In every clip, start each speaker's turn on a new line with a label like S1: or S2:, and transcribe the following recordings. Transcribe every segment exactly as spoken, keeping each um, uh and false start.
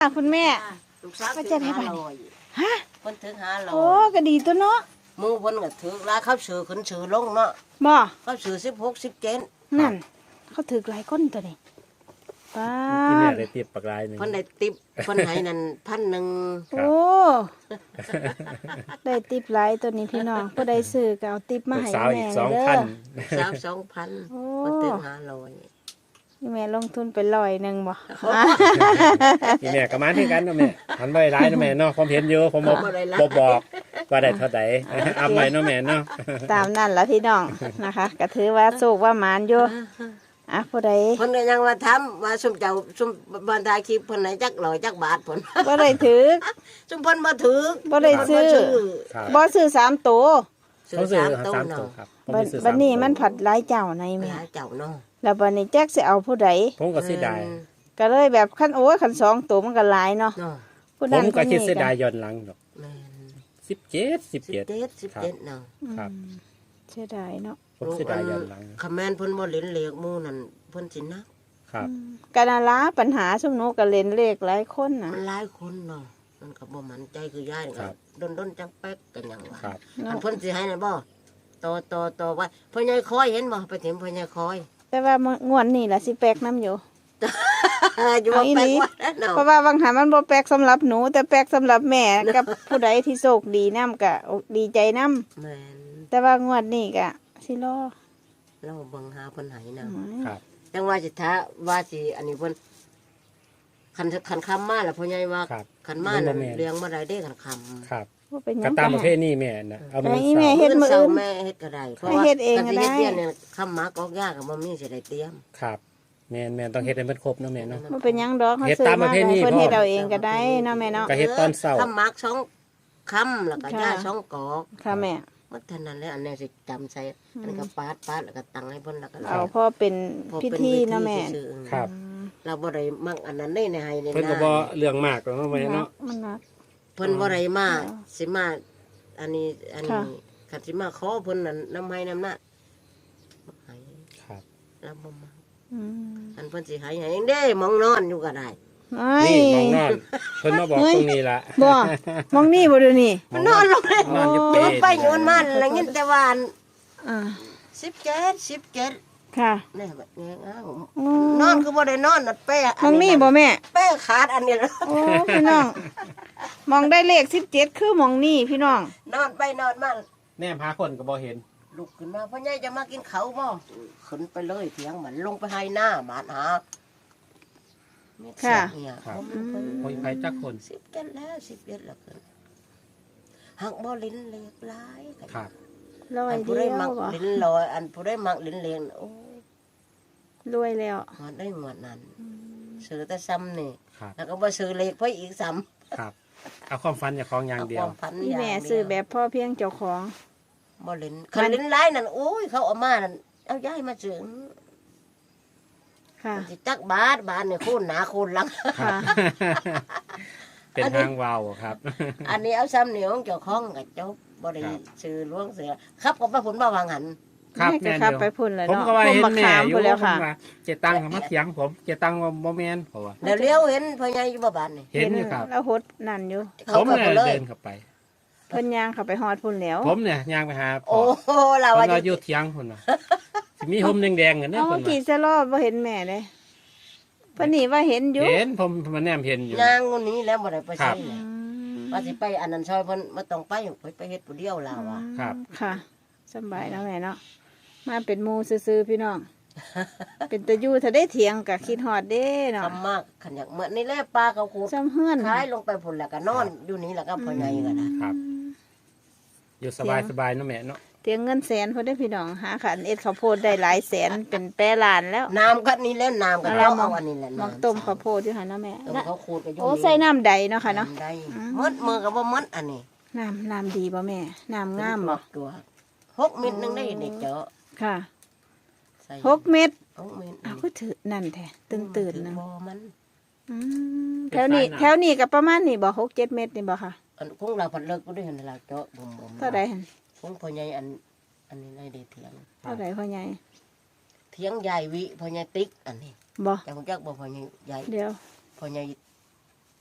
S1: คุณแม่
S2: ลูกสาวก็
S1: จะได้
S2: ห้า
S1: บ่
S2: ร้อย
S1: ฮะ
S2: เพิ่นถึงห้าร้อ
S1: โอ้
S2: ย
S1: ก็ดีตัวเนาะ
S2: หมู่เพิ่นก็ถึงราเขาซื้อขึ้นซื้อลงเนาะ
S1: บ่
S2: เขาซื้อสิบหก สิบเจ็ด
S1: นั่นเขาถือหลายคนตัวนี้ป้า
S3: ที่แม่ได้ติบปากลายหนึง
S2: เพิ่นได้ติปเพิ่นให้นั่นพันหนึ่ง
S1: โอ้ได้ติปหลายตัวนี้พี่น้องผู้ใดซื้อก็เอาติปมา
S3: ลูก
S1: ให้
S3: สาว
S1: แม่
S3: อีกสอง
S1: เด้
S3: พัน
S2: ลูกสาวสองพัน
S1: โอ้
S2: เพิ่นถึงห้าร้อย
S1: นี่แม่ลงทุนไปร้อยหนึ่งบ่
S3: นี่แม่ก็มาที่กันเนาะแม่หันไปร้ายเนาะแม่เนาะผมเห็นอยู่ผมบอกบอกบอกว่าได้เท่าใดอัพไปเนาะแม่เนาะ
S1: ตามนั่นละพี่น้องนะคะก็ถือว่าโชคว่าหมานอยู่อ่ะผู้ใด
S2: เพิ่นก็ยังว่าทำว่าซุมเจ้าซุมบรรดาคลิปเพิ่นให้จักร้อยจักบาทเพิ่น
S1: บ่ได้ถือ
S2: ซุมเพิ่นบ่ถือ
S1: บ่ได้ซื้อ
S3: ครับ
S1: บ่ซื้อสามตัว
S2: ซื้อ
S3: เขาซื้อ
S2: สามตู้
S3: สามตัว
S2: เนาะ
S3: ครับผม
S1: บัด
S3: ไปซื้อ
S1: บัดนี้
S3: สาตัว
S1: มันผัดหลายเจ้าใน
S2: ไป
S1: แม่
S2: หาเจ้าเนาะ
S1: แล้วบัดนี้แจ็คสิเอาผู้ใด
S3: ผมก็เสียดาย
S1: ก็เลยแบบขั้นโอ้ยขั้นสองตัวมันก็หลายเนาะ
S2: เนาะ
S1: ผู้
S3: ผ
S1: นั้น
S3: มก็
S1: ผู้
S3: คิด
S1: นี้
S3: เสียดายย้อนหลังดอก
S2: แม่น
S3: สิบเจ็ดสิบ
S2: สิบ
S3: เจ็ด
S2: เจ็ดสิบเจ็ดเนาะ
S3: ครับ
S1: อืมเสียดายเนาะ
S3: ผมเสียดายย้อนหลัง
S2: คำแม่นเพิ่นบ่เล่นเลขหมู่นั่นเพิ่นสินะครับ
S1: กานาลาปัญหาสมนุกก็เล่นเลขหลายคนน่ะ
S2: มันหลายคนเนาะมันก็บ่มั่นใจคือยายนี่
S3: ครั
S2: ก็
S3: บ
S2: ดนๆจังแป๊กกันหยังว่า
S3: ครับ
S2: อันเพิ่นสิให้นั่นบ่ต่อต่อต่อไว้พ่อใหญ่คอยเห็นบ่ไปถึงพ่อใหญ่คอย
S1: แต่ว่างวดนี่ล่ะสิแปลกน้ำอยู่
S2: อยู่ว่า
S1: เอาอี
S2: แป๊
S1: หลี
S2: กว่าแล้วเนาะ
S1: เพราะว่าบางหามันบ่แปลกสำหรับหนู แต่แปลกสำหรับแม่กับผู้ใดที่โชคดีนํก็ดีใจนํ
S2: แม่น
S1: แต่ว่างวดนี้ก็สิรอ
S2: เราเบิ่งหาเพิ่นให้นำ
S1: อืม
S3: ครับ
S2: จังว่าสิท้าว่าสิอันนี้เพิ่นคันคันคำมาแล้วพ่อใหญ่ว่า
S3: ครับ
S2: คันมานั่นเลี้ยงบ่ได้เด้คันคำ
S3: ครับ
S1: ว่าเป็นห
S3: ก็
S1: ยัง
S3: ตาม
S1: ก็
S3: ประเภ
S1: ให้
S3: ทนี้แม่นะเอามา
S1: ไอ้
S3: เสา
S1: แม่
S3: ร์
S1: เฮ็ดมื้ออื่น
S2: เแม่เฮ็ดก็ได้เพราะ
S1: ให้
S2: ว่า
S1: เฮ็ดเอง
S2: คันสิ
S1: ก็ได้
S2: เฮ็ดเรียนเนี่ยคำหมากอกยากก็บ่มีสิได้เตรียม
S3: ครับแม่นแม่นต้องเฮ็ดให้มันครบเนาะแม่เนาะ
S1: บ่เป็นหยังดอกเขา
S3: เฮ็ด
S1: ซื้อ
S3: ตามป
S1: มา
S3: ระเพ
S1: แล้ว
S3: ณี
S1: เพิ่น
S3: พ่อ
S1: เฮ็ดเอาเองก็ได้เนาะแม่เนาะ
S3: ก็เฮ็ดตอนเช้า
S2: คำหมากสองคำแล้วก็
S1: ค่ะ
S2: ย่าสองกอก
S1: ค่ะแม่
S2: ว่าเท่านั้นแหละอันนี้สิจำใส่อันนี้ก็ปาดปาดแล้วก็ตั้งให้เพิ่นแล้วก็
S1: เอาพ่อเป็น
S2: พอ
S1: พิ
S2: เป็น
S1: ธี
S2: วิ
S1: เนาะแม่
S2: ซื่อๆ
S3: ครับ
S2: เราบ่ได้มักอันนั้นได้ในให้ใน
S3: เพิ่นก็บ่เรื่องมากหรอกเนาะแม่เนาะ
S1: มันหนัก
S2: เพิ่นบ่ได้มา
S1: อ๋อ
S2: สิมาอันนี้อันนี้
S1: ค่ะ
S2: คันสิมาขอเพิ่นนั่นนำให้นำหน้าบ่ให้
S3: ครับ
S2: เราบ่มา
S1: อืม
S2: อันเพิ่นสิให้ให้เองเด้มองนอนอยู่ก็ได้
S1: ไอ้
S3: นี่มองนอนเพิ่นมาบอกตรงนี้ละ
S1: บ่มองนี่บ่เดูนี่
S2: มันนอนลงเลย
S3: นอนอยู่
S2: โย
S3: เปร
S2: นไปโยนมาแล้วยินแต่ว่าอัน
S1: อ่า
S2: สิบเจ็ด สิบเจ็ด
S1: ค่ะ
S2: นี่แบบนี้อ้าว
S1: อืม
S2: นอนคือบ่ได้นอนน่ะเป้
S1: มองนี่บ่แม่
S2: เป้ขาดอันนี้แล้ว
S1: โอ้พี่น้อง มองได้เลขสิบเจ็ดคือมองนี่พี่น้อง
S2: นอนไปนอนมา
S3: แนมหาคนก็บ่เห็น
S2: ลุกขึ้นมาพ่อใหญ่จะมากินเขาวบ่ขึ้นไปเลยเถียงมันลงไปให้หน้าหมาหาเม็ดเสียงเนี่ย
S3: ครับ
S2: ผมเพิ่น
S3: โอ้ยไผจักคน
S2: สิบเจ็ดแล้วสิบเจ็ดแล้วขึ้นหักบ่ลิ้นเลียกหลาย
S3: ครับ
S1: ร้อย
S2: อันผู้
S1: เดี
S2: ได้
S1: ยว
S2: มัก
S1: บ่
S2: ลิ้นลอยอันผู้ได้มักลิ้นเลียงโอ้ย
S1: รวยแล้ว
S2: หอดได้หมดนั้นซื้อแต่ซ้ำนี่
S3: ครับ
S2: แล้วก็บ่ซื้อเลขเพิ่นอีกซ้ำ
S3: ครับเอาความฝันจากของอย่างเดียว
S2: เอาความพัน
S1: นี่
S2: ย่าง
S1: แม่
S2: เดียว
S1: ซื้อแบบพ่อเพียงเจ้าของ
S2: บ่ลิ้นคันลิ้นหลายนั่นโอ้ยเขาเอามานั่นเอาย้ายมาซื้อ
S1: ค่ะ
S2: สิจักบาทบาทนี่คูณหนาคูณหลัง
S1: ค่ะ
S3: เป็นทางวาวครับ
S2: อันนี้เอาซ้ำเหนียวเจ้าของกับเจ้าบ่ได้
S3: ครับ
S2: ซื้อหลวงเสือครับก็ไปผลมาวางหัน
S3: ครับ
S1: ให้
S3: แม่น
S1: ขับ
S3: เดียว
S1: ไปพุ่นเลย
S3: ผม
S1: เนาะ
S3: ก็ว่าเห็น
S1: ผม
S3: แม่
S1: ขาม
S3: อยู่
S1: พุ่นแล้ว
S3: ผม
S1: ค่ะ
S3: ว่าเจตังค์มาเถียงผมเจตังค์ว่าบ่แม่นเพราะว่า
S2: แล้วเลี้ยวเห็นพ่อใหญ่อยู่บ่บ้านนี่
S3: เห็นอยู่ครับ
S1: แล้วหดนั่นอยู่
S3: ผม
S2: เข้า
S3: เนี่ย
S2: ไปเลย
S3: เดินเข้าไป
S1: เพิ่นย่างเข้าไปฮอดพุ่นแล้ว
S3: ผมเนี่ยย่างไปหาพ่
S2: โอ้
S3: อ
S2: โหเรา
S3: เพิ่
S2: ว่าน
S3: ว่าอยู่เถียงพุ่นน่ะสิมีห่มแดงๆกันเด้อ
S1: เอา
S3: เพิ่น
S1: กี่
S3: ว่า
S1: สะรอบบ่เห็นแม่เลยเพิ่นนี่ว่าเห็นอยู่
S3: เห็นผมมันแนมเห็นอยู่
S2: นางคนนี้แล้วบ่ได้ไป
S3: ครั
S2: ใช่
S3: บ
S1: อืม
S2: ว่าสิไปอันนั้นซอยเพิ่นบ่ต้องไปไปไปเฮ็ดผู้เดียวล่ะว่ะ
S3: ครับ
S1: ค่ะสำบายเนาะแม่เนาะมาเป็นหมู่ซื่อๆพี่น้อง เป็นตะยู่ถ้าได้เถียงก็คิดฮอดเด้เนาะ
S2: ทำมากขันอยากเหมือนนี่แหละปลาเขาขูด
S1: ซ้ำเฮือน
S2: ขายลงไปพุ่นแล้วก็นอนอยู่นี่แล้วก็พ่อใหญ่ก็ได้
S3: ครับ อยู่สบายสบายๆเนาะแม่เนาะ
S1: เถียงเงินแสนเพิ่นได้พี่น้องหาขันเอ็ดข้าวโพดได้หลายแสนเป็นแปรล้านแล้ว
S2: น้ำก็นี่แล้วน้ำก็
S1: อะไร
S2: เรา
S1: มอ
S2: เอา
S1: ง
S2: อันนี้แหละ
S1: มักต้มข้าวโพดอยู่หั่นเนาะแม่
S2: ต้ม
S1: นะ
S2: เขาขูดก็อยู่
S1: โอ้ใส่น้ำใดเนาะค่ะเนาะ
S2: น้ำได้
S1: อืม
S2: มดมือก็บ่มดอันนี้
S1: น้ำน้ำดีบ่แม่น้ำงามบ่
S2: ตัวหกเม็ดหนึงได้เด็กเจาะ
S1: ค่ะ
S2: ใส่
S1: หกเม็ด
S2: หกเม็ด
S1: อ้าวก็ถือนั่นแท้ตื่นตื่นๆนึง
S2: บ่มัน
S1: อืมแถวนี้แถวนี้ก็ประมาณนี้บ่หกเจ็ดเม็ดนี่บ่ค่ะ
S2: อันคงเราผัดเลิกก็ได้เห็นเราเจาะบ่มบ่ม
S1: เท่าใดหั่น
S2: คงพ่อใหญ่อันอันนี้ได้เด็เถียง
S1: เท่าใดพ่อใหญ่
S2: เถียงใหญ่วิพ่อใหญ่ติ๊กอันนี้
S1: บ่
S2: จักจักบ่พ่อใหญ่ใหญ่
S1: เดี๋ยว
S2: พ่อใหญ่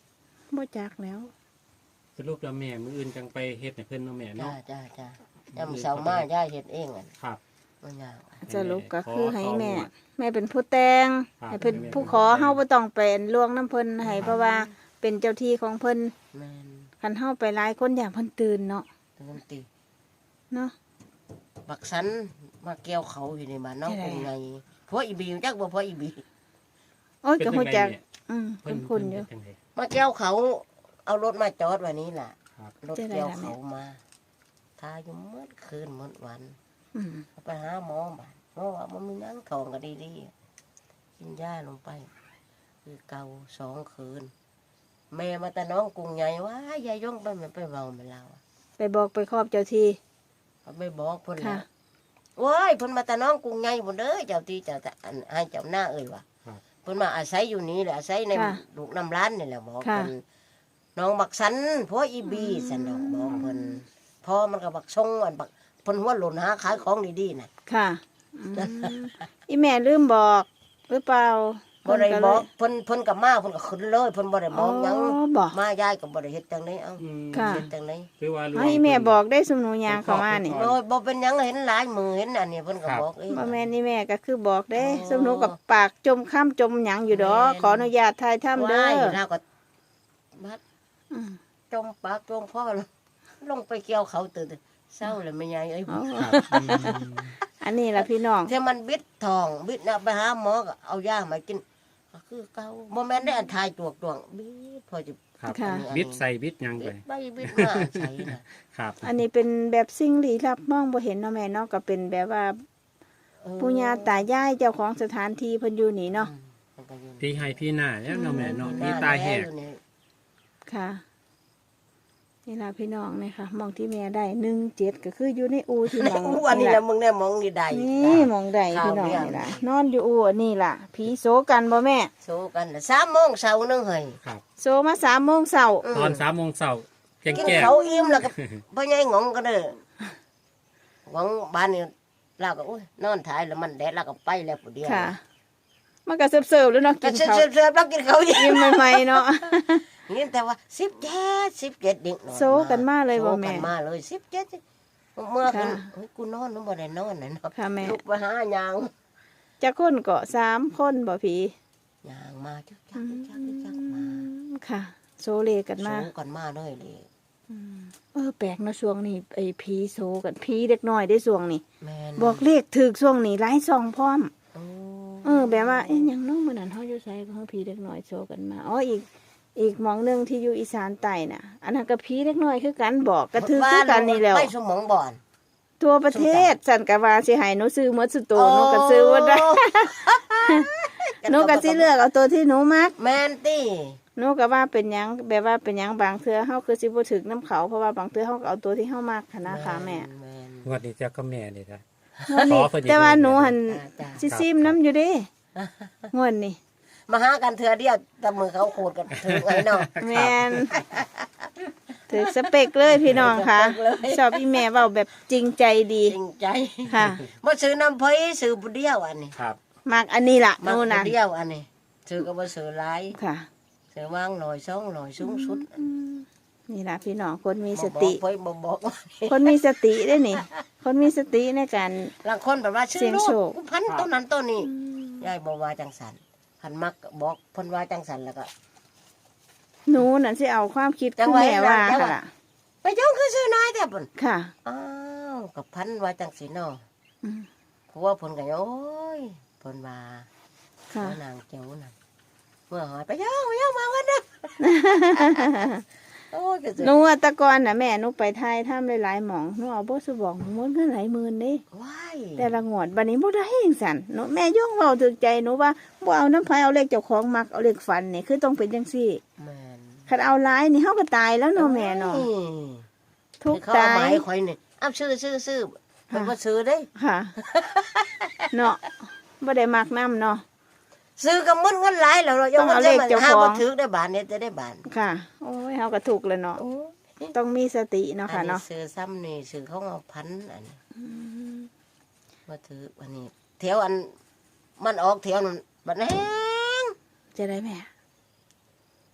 S1: บ่จักแล้ว
S3: สรุปแล้วแม่มื้ออื่นจังไปเฮ็ดให้เพิ่นเนาะแม่
S2: จ้า
S3: เนาะ
S2: จ้าจ้าจำเสามาย่าเฮ็ดเองอ่ะ
S3: ครับ
S2: มันยาก
S1: สรุปก็คือให้แม่
S3: ขอ
S1: แม่เป็นผู้แต่ง
S3: ครับ
S1: ให้เพิ่น
S3: ให้แม่
S1: ผู้ขอเฮาบ่ต้องเป็นล่วงน้ำเพิ่นให้เพราะว่าเป็นเจ้าที่ของเพิ่น
S2: แม่น
S1: คันเฮาไปหลายคนอยากเพิ่นตื่นเนาะ
S2: ตื่นตี
S1: เนาะ
S2: บักสันมาเกี่ยวเขาอยู่ในบ้านน้อง
S1: ใช่
S2: เป็นไงพวกอีบีจักบ่พวกอีบี
S1: โอ้ย
S3: เป็น
S1: ก็
S3: จั
S1: ฮู้
S3: งได
S1: จัก
S3: แม่
S1: อืม
S3: เพิ่
S1: เพิ่
S3: น
S1: น
S3: เพิ่
S1: คุ้นอยู่
S3: นเป็นจังได
S2: มาเกี่ยวเขาเอารถมาจอดไว้นี้ล่ะ
S3: ครับ
S2: รถเกี่ยวเขามาทาอยู่เมื่อคืนเมื่อวัน
S1: อืม
S2: เอาไปหาหมอบ้านหมอว่ามันมีนั่งทองก็ดีๆกินยาลงไป คือเกาสองคืน แม่มาแต่น้องกรุงใหญ่ว่ายายย่องไปมันไปเบาไม่เล่า
S1: ไปบอกไปครอบเจ้าที่
S2: เขาไปบอกเพิ่น
S1: ค่ะ
S2: นะว้ายเพิ่นมาแต่น้องกรุงใหญ่หมดเด้อเจ้าที่เจ้าแต่อันให้เจ้าหน้าเอ่ยว่ะ
S3: ครับ
S2: เพิ่นมาอาศัยอยู่นี่แหละอาศัยใน
S1: ค่ะ
S2: ลูกน้ำร้านนี่แหละบอก
S1: ค่ะ
S2: เพิ่นน้องบักสันพ่ออีบีสันดอกบอกเพิ่นพ่อมันก็บักชงอันบักเพิ่นหัวหล่นหาขายของดีๆน่ะ
S1: ค่ะอืมอีแม่ลืมบอกหรือเปล่า
S2: บ่ได้
S1: เพิ่น
S2: บ
S1: เล
S2: อย กเพิ่นเพิ่นก็มาเพิ่นก็ขึ้นเลยเพิ่นบ่ได้บอกหยัง
S1: อ๋อบอก
S2: มายายก็บ่ได้เฮ็ดจังไดเอ้า
S3: อืม
S1: ค่ะ
S2: เฮ็ดจังได
S3: คือว่า
S1: ให้แม่บอกได้สมหนูยางเข้ามานี่
S3: อ๋
S2: โอ้ยบ่เป็นหยังเห็นหลายมือเห็นอันนี้เพิ่นก็
S3: ครับ
S2: บอกเอง
S1: บ่แม่นนี่แม่ก็คือบอกเด้
S2: อ๋อ
S1: สมหนูกับปากจมข้ามจมหยังอยู่ดอก
S2: แม่น
S1: ขออนุญาตถ่ายทำเด้
S2: ว้าย
S1: อ
S2: เราก็บัด
S1: อืม
S2: จมปากจมพ่อลงไปเกี่ยวเขาตื่นเศร้าเลยแม่ยายเอ้ย
S1: อ๋อ
S3: ครับอืม
S1: อันนี้ล่ะพี่น้อง
S2: ถ้ามันบิดทองบิดน่ะไปหาหมอก็เอายามากินก็คือเก่าบ่แม่นได้อันทายตวกตวงบิดพอจะ
S3: ครับ
S1: ค่ะ
S3: บิดใส่บิดหยัง
S2: บิ
S3: ไป
S2: ดไปบิดมาใส่น่ะ
S3: ครับ
S1: อันนี้เป็นแบบสิ่งลี้ลับมองบ่เห็นเนาะแม่เนาะก็เป็นแบบว่า
S2: เออ
S1: ปู่ย่าตายายเจ้าของสถานที่เพิ่นอยู่นี่เนาะ
S2: อืมมันก็อยู่
S3: พี่ให้พี่หน้าแล้วเนาะแม่เนาะ
S2: ห
S3: พี่
S2: น้
S3: ตาแหก
S2: อยู่นี่
S1: ค่ะนี่ล่ะพี่น้องนี่ค่ะมองที่แม่ได้หนึ่งเจ็ดก็คืออยู่ในอูที่มอง
S2: อู้อันนี้แหละมึงเนี่ยมองนี่ได้
S1: นี่มองได้
S2: ข่าว
S1: พี่น้อง
S2: เรื่อง
S1: นี่ล่ะนอนอยู่อูอันนี้ล่ะผีโซกันบ่แม่
S2: โซกันน่ะสามโมงเช้านึงเฮ้ย
S3: ครับ
S1: โซมาสามโมงเช้า
S2: อืม
S3: ตอนสามโมงเช้าแจ้ง
S2: กิน
S3: แจ้ง
S2: เขาวอิ่มแล้วก็พ่อใหญ่งงก็เด้อหวังบ้านนี่เราก็อุ้ยนอนถ่ายแล้วมันแดดเราก็ไปแล้วผู้เดียว
S1: ค่ะ มันก็เสิร์ฟๆแล้วเนาะ
S2: ก็
S1: กิน
S2: เสิร์ฟ
S1: ข้าว
S2: เสิร์ฟเสิร์ฟเรากินเขาวอิ่ม
S1: ยิ้มใหม่ๆเนาะ
S2: นี่แต่ว่าสิบเจ็ดสิบเจ็ดดิ่ง
S1: โซกันมาเลยบ่แม่
S2: โซกันมาเลยสิบเจ็ดเมื่อคืน
S1: ค่ะ
S2: เฮ้ยกูนอนนึกบ่ได้นอนน่ะเนาะ
S1: ค่ะแม่
S2: ลุกไปหายาง
S1: จะคนก็สามคนบ่ผี
S2: ยางมาจักจักจักจักจักมา
S1: ค่ะ โซเลกัน
S2: โซ
S1: มา
S2: กันมาเลยเลย
S1: เออแปลกเนาะช่วงนี้ไอ้ผีโซกันผีเด็กน้อยได้ช่วงนี้
S2: แม่น
S1: บอกเลขถูกช่วงนี้หลายซองพร้อม
S2: โอ้
S1: เออแบบว่าเอ๊ะหยังน้องมื้อนั้นเฮาอยู่ไสก็เฮาผีเด็กน้อยโซกันมาอ๋ออีกอีกหมองหนึงที่อยู่อีสานใต้น่ะ อันนั้นก็ผีเด็กน้อยคือกันบอกกระถือคือกันนี่แหล้ว
S2: ไปสมองบ่อน
S1: ทั่วประเทศสันกะว่าสิให้หนูซื้อหมดสุดโตหนูก็ซื้อบ่ได้ หนูก็สิเลือกเอาตัวที่หนูมัก
S2: แม่นตี้
S1: หนูก็ว่าเป็นหยังแบบว่าเป็นหยังบางเทื่อเฮาคือสิบ่ถึกน้ำเขาเพราะว่าบางเทื่อเฮาก็เอาตัวที่เฮามักหั้นนะคะแม่
S2: แม่น
S3: งวดนี้เจ้าก็แม่นี่นะ
S1: งวดนี้
S3: ขอเพิ่นอีก
S1: แต่ว่าหนูหัน
S2: จ้า
S1: สิซิมน้ำอยู่เด้งวดนี้
S2: มาหากันเถื่อเดียวแต่มือเขาโคตรกันถึงไงเนาะ
S1: แม่นถือสเปกเลยพี่น้องค่ะ
S2: สเปกเลย
S1: ชอบอีแม่เว้าแบบจริงใจดี
S2: จริงใจ
S1: ค่ะ
S2: มาซื้อน้ำเพยซื้อบุเดียวอันนี้
S3: ครับ
S1: มักอันนี้ล่ะห
S2: มา
S1: นู
S2: บุ
S1: น่ะ
S2: เดียวอันนี้ซื้อก็มาซื้อหลาย
S1: ค่ะ
S2: ซื้อวางหน่อยสองหน่อยสูงสุด
S1: นี่ล่ะพี่น้องคนมีสติ
S2: บ่บอกเพยบ่บอกว่า
S1: คนมีสติได้นี่ คนมีสติในการ
S2: บางคนแบบว่าซื้อ
S1: เสี่ยง
S2: ลู
S1: โช
S2: ก
S1: ค
S2: พันต้นนั้นต้นนี้ยายบอกว่าจังสันพันมักบอกเพันว่าจังสันแล้วก็
S1: หนูนั่นสิเอาความคิด
S2: จั
S1: คุ
S2: ง
S1: ณ
S2: ไว้
S1: แม่ว่า
S2: จังไว้
S1: ค่ะล่ะ
S2: ไปย่องคือซื้อน้อยแต่ปุ่น
S1: ค่ะ
S2: อ้าวกับพันว่าจังสีเนาะ
S1: อืม
S2: เพราะว่าเพนก็โอ้ยเพนว่า
S1: ค่ะ
S2: ว่านางเจ้านั่นเมื่อหอยไปย่องไปย่องมากันเด้อ โอ้ยก็สิ
S1: หนูอะแตะกอนน่ะแม่หนูไปไทยทำหลายๆหม่องหนูเอาบ่สบอกหมดเงินหลายหมื่นเด้
S2: ว้าย
S1: แต่ละงวดบัดนี้บ่ได้จังซั่นหนูแม่ย่องเว้าถึกใจหนูว่าบ่เอาน้ำไผเอาเลขเจ้าของมักเอาเลขฝันนี่คือต้องเป็นจังซี่
S2: แม่น
S1: คันเอาหลายนี่เฮาก็ตายแล้วเนาะแม่เนาะ
S2: อ้ย
S1: ทุกข์
S2: เขาเอา
S1: ตา
S2: หมาย ยข่อยนี่อ้าวซื้อซื้อซื้อเพิ่นบ่ซื้อเด้
S1: ค่ะ เนาะบ่ได้มักนํเนาะ
S2: ซื้อกับมึนเงินหลายแล้วเรา
S1: ต้องเอาเลขเจ้าของ
S2: หบ่ถือได้บาทเนี่ยจะได้บาท
S1: ค่ะ โอ้ยเฮาก็ถูกแล้วเนาะ
S2: โอ้
S1: ต้องมีสติเนาะ
S2: อั
S1: ค่ะ
S2: นนี้
S1: เนาะ
S2: ซื้อซ้ำนี่ซื้อเขาเอาพันอันนี้บ่ถืออันนี้แถวอันมันออกแถวนั้นบัดแห้ง
S1: จะได้แม่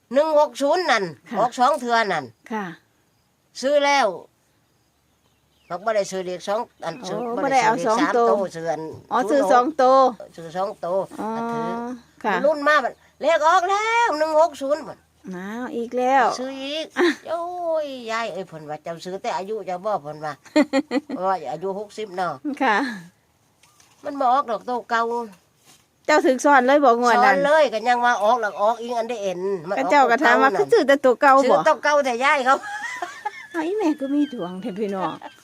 S2: หนึ่งหกศูนย์นั่น
S1: ค่ะ
S2: ออกสองเทือนั่น
S1: ค่ะ
S2: ซื้อแล้วเราไม่ได้ซื้อเด็กสองอันซื้อ
S1: โอ้บ่ได้เอาสอง
S2: สาม
S1: ตัว
S2: โตซื้ออัน
S1: อ๋อซื้อสองโตว
S2: ซื้อสองโต
S1: อ๋อ
S2: ก็ถือ
S1: ค่ะ
S2: รุ่นมามันเลขออกแล้วหนึ่งหกศูนย์มัน
S1: อ้าวอีกแล้ว
S2: ซื้ออีกโอ้ยยายเอ้ยผลว่าเจ้าซื้อแต่อายุเจะบ่ผลว่า เพราะว่าอายุหกสิบเนาะ
S1: ค่ะ
S2: มันบออกดอกโตเก่า
S1: เจ้าถึกสอนเลยบอกงวด
S2: สอ
S1: นั้น น
S2: เลยก็ยังว่าออกหลักออกอีกอันได้เอ็นมัน
S1: ก็
S2: ออก
S1: เจ้าก็ถามว่า
S2: ตั
S1: คื
S2: ว
S1: อซื้อแต่ตัวเก่า
S2: เก่านั่นซื้
S1: บ่
S2: อตัวเก่าแต่ยายเขา
S1: ไอ้แม่ก็มีดวงแท้พี่น้อง